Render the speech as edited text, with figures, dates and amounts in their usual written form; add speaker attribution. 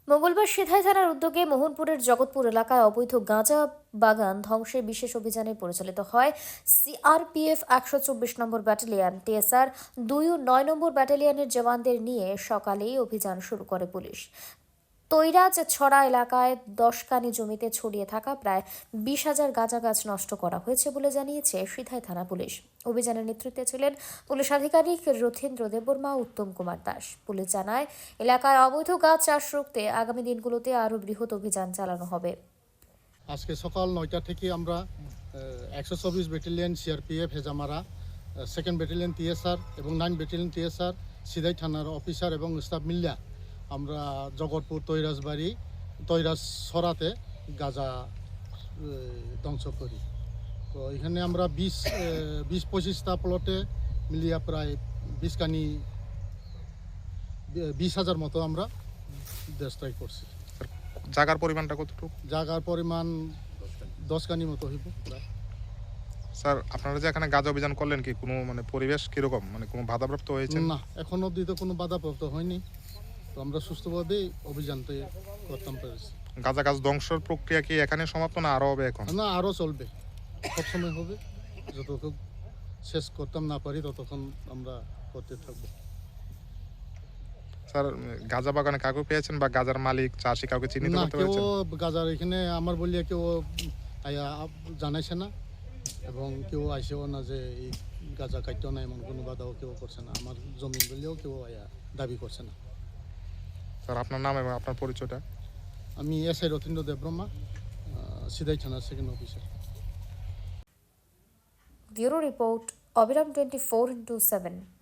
Speaker 1: মঙ্গলবার সিধাই থানার উদ্যোগে মোহনপুরের জগৎপুর এলাকায় অবৈধ গাঁজা বাগান ধ্বংসে বিশেষ অভিযানে পরিচালিত হয় সিআরপিএফ ১২৪ নম্বর ব্যাটালিয়ন, টিএসআর ২ ও ৯ নম্বর ব্যাটালিয়নের জওয়ানদের নিয়ে সকালেই অভিযান শুরু করে পুলিশ। তৈরাজ ছড়া এলাকায় ১০ কানি জমিতে ছড়িয়ে থাকা প্রায় ২০,০০০ গাঁজা গাছ নষ্ট করা হয়েছে বলে জানিয়েছে সিধাই থানা পুলিশ। অভিযানের নেতৃত্বে ছিলেন পুলিশ আধিকারিক রথীন্দ্র দেববর্মা, উত্তম কুমার দাস। পুলিশ জানায়, এলাকায় অবৈধ গাছ চাষ রুখতে আগামী দিনগুলোতে আরও বৃহৎ অভিযান চালানো হবে।
Speaker 2: আজকে সকাল ৯টা থেকে আমরা ১২৪ battalion CRPF Hezamara, second battalion TSR এবং 9 ব্যাটালিয়ন টিএসআর সিধাই থানার অফিসার এবং স্টাফ মিল্লা আমরা জগৎপুর তৈরাজ ছড়াতে গাঁজা ধ্বংস করি। তো এখানে আমরা ২০-২৫টা প্লটে মিলিয়ে প্রায় ২০,০০০ মতো আমরা ডিস্ট্রয় করছি।
Speaker 3: জায়গার পরিমাণটা কতটুকু?
Speaker 2: জায়গার পরিমাণ 10 কানি মতো হইব।
Speaker 3: স্যার, আপনারা যে এখানে গাঁজা অভিযান করলেন, কি কোনো পরিবেশ কিরকম, কোনো বাধাপ্রাপ্ত হয়েছে?
Speaker 2: না, এখন অবধি তো কোনো বাধাপ্রাপ্ত হয়নি। তো আমরা সুস্থভাবেই অভিযানটা করতাম পেরেছি।
Speaker 3: গাঁজা গাছ ধ্বংসের প্রক্রিয়া কি এখানে সমাপ্ত, না আরও হবে এখন?
Speaker 2: না, আরও চলবে, সবসময় হবে। যতক্ষণ শেষ করতাম না পারি ততক্ষণ আমরা করতে থাকবো।
Speaker 3: স্যার, গাঁজা বাগানে কাউকে পেয়েছেন বা গাঁজার মালিক, চাষি কাউকে চিহ্নিত
Speaker 2: না,
Speaker 3: করতে
Speaker 2: কেউ
Speaker 3: পেরেছেন?
Speaker 2: গাজার এখানে আমার বলিয়া কেউ জানাইছে না এবং কেউ আইসেও না যে এই গাজা কাটতেও না, এমন কোনো বাধাও কেউ করছে না। আমার জমি বললেও কেউ দাবি করছে না।
Speaker 3: স্যার, আপনার নাম এবং আপনার পরিচয়টা?
Speaker 2: আমি এসআই রথীন্দ্র দেববর্মা, সিধাই থানার সেকেন্ড অফিসার।
Speaker 1: ব্যুরো রিপোর্ট, অবিরাম 24x7।